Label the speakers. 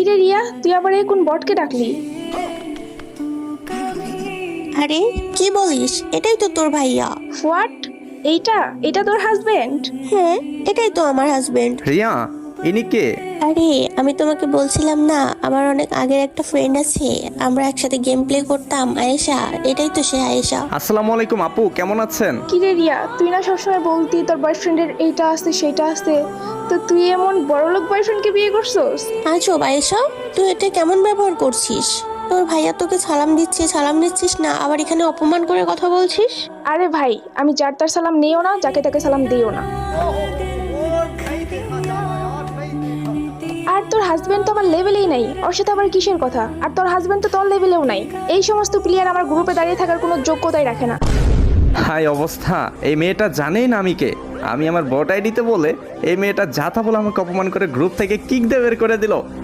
Speaker 1: কিরে রিয়া, তুই আবার এই কোন বটকে ডাকলি?
Speaker 2: আরে কি বলিস, এটাই তো তোর ভাইয়া।
Speaker 1: হোয়াট? এইটা এটা তোর হাজবেন্ড?
Speaker 2: হ্যাঁ, এটাই তো আমার হাজবেন্ড।
Speaker 3: রিয়া, ইনি কে?
Speaker 2: আরে আমি তোমাকে বলছিলাম না, আমার অনেক আগের একটা ফ্রেন্ড আছে, আমরা একসাথে গেম প্লে করতাম, আয়েশা। এটাই তো সে আয়েশা।
Speaker 3: আসসালামু আলাইকুম আপু, কেমন আছেন?
Speaker 1: কিরে রিয়া, তুই না সবসময় বলতি তোর বয়ফ্রেন্ডের এইটা আছে সেইটা আছে, তো তুই এমন বড়লোক বয়ফ্রেন্ডকে বিয়ে করছস?
Speaker 2: আজব আয়েশা, তুই এটা কেমন ব্যবহার করছিস? তোর ভাইয়া তোকে সালাম দিচ্ছিস না, আবার এখানে অপমান করে কথা বলছিস।
Speaker 1: আরে ভাই, আমি যার তার সালাম নিও না, যাকে তাকে সালাম দিও না। আর তোর হাজবেন্ড তো আমার লেভেলেই নাই, ওর সাথে আবার কিসের কথা? আর তোর হাজবেন্ড তো তোর লেভেলেও নাই। এই সমস্ত প্লেয়ার আমার গ্রুপে দাঁড়িয়ে থাকার কোনো যোগ্যতাই রাখে না।
Speaker 3: হাই অবস্থা, এই মেয়েটা জানেই না আমি কে। আমি আমার বট আইডিতে বলে এই মেয়েটা যাতা বলে আমাকে অপমান করে গ্রুপ থেকে কিক দিয়ে বের করে দিল।